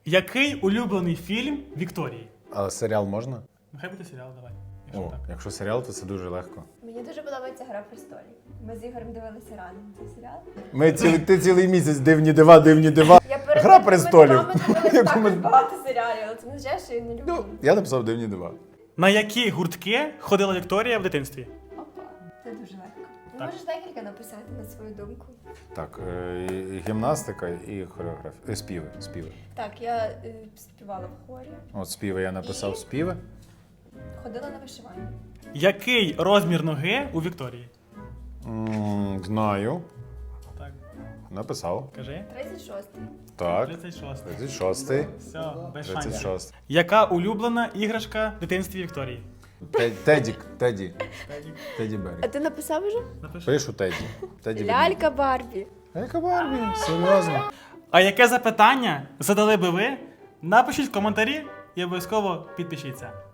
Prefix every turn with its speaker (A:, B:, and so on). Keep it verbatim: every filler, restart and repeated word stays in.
A: Який улюблений фільм Вікторії?
B: А серіал можна?
A: Нехай буде серіал, давай. Якщо
B: О,
A: так.
B: якщо серіал, то це дуже легко.
C: Мені дуже подобається «Гра престолів». Ми з Ігорем дивилися разом цей серіал.
B: Ми ці, ти цілий місяць дивні дива, дивні дива.
C: Я перед
B: Гра
C: тим,
B: престолів.
C: Ми дивилися
B: Яку ми-
C: також багато серіалів, але це не означає, що я не люблю.
B: Ну, я написав дивні дива.
A: На які гуртки ходила Вікторія в дитинстві?
C: Опа, це дуже легко. Ти
A: Так.
C: можеш декілька написати на свою думку.
B: Так, е, і- і гімнастика і хореографія. Е, співи, співи.
C: Так, я е, співала в хорі,
B: От співи я написав
C: І?
B: співи.
C: ходила на вишивання.
A: Який розмір ноги у Вікторії?
B: М, знаю.
A: Так,
B: Написав.
A: кажи.
C: тридцять шостий.
B: Так.
A: тридцять шостий.
B: тридцять шостий.
A: Все, без
B: тридцять
A: шансів.
B: шостий.
A: Яка улюблена іграшка в дитинстві Вікторії?
B: Те- Тедік, Теді. Теді Беррі.
C: А ти написав вже?
A: Напиши.
B: Пишу Теді. Теді
C: Лялька Барбі.
B: Яка Барбі? Серйозно?
A: А яке запитання задали би ви? Напишіть в коментарі і обов'язково підпишіться.